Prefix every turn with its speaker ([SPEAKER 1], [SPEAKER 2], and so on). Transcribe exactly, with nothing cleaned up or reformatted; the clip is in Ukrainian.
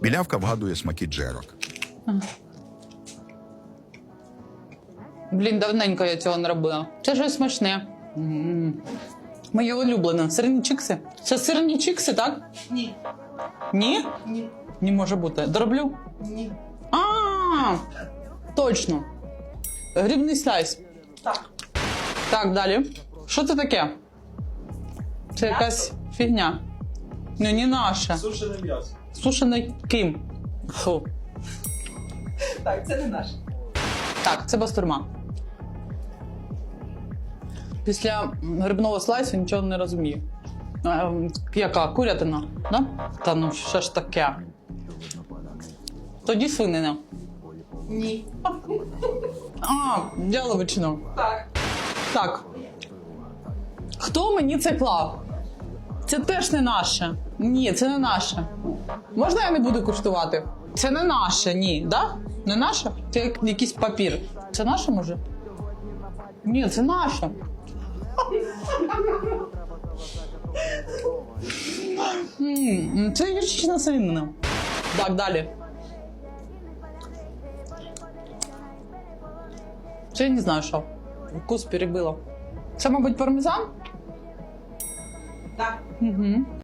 [SPEAKER 1] Білявка вгадує смаки джерок.
[SPEAKER 2] Блін, давненько я цього не робила. Це щось смачне. М. Моє улюблене. Сирні чикси. Це сирні чикси, так?
[SPEAKER 3] Ні.
[SPEAKER 2] Ні?
[SPEAKER 3] Ні.
[SPEAKER 2] Не може бути. Дроблю?
[SPEAKER 3] Ні.
[SPEAKER 2] А, точно. Грибний слайс.
[SPEAKER 3] Так.
[SPEAKER 2] Так, далі. Що це таке? Це якась фігня. Ну, не наша.
[SPEAKER 4] Сушене м'ясо.
[SPEAKER 2] Сушений ким? Фу.
[SPEAKER 3] Так, це не наше.
[SPEAKER 2] Так, це бастурма. Після грибного слайсу нічого не розумію. Е, яка? Курятина? Да? Та ну що ж таке? Тоді свинина.
[SPEAKER 3] Ні.
[SPEAKER 2] А, яловичина.
[SPEAKER 3] Так.
[SPEAKER 2] Так. Хто мені це клав? Це теж не наше. Ні, це не наше. Можна я не буду куштувати? Це не наше, ні. Да? Не наше? Це як якийсь папір. Це наше, може? Ні, це наше. М, Це гірчична свинина. Так, далі. Це я не знаю, що. Вкус перебило. Це, мабуть, пармезан?
[SPEAKER 3] Так.
[SPEAKER 2] Угу.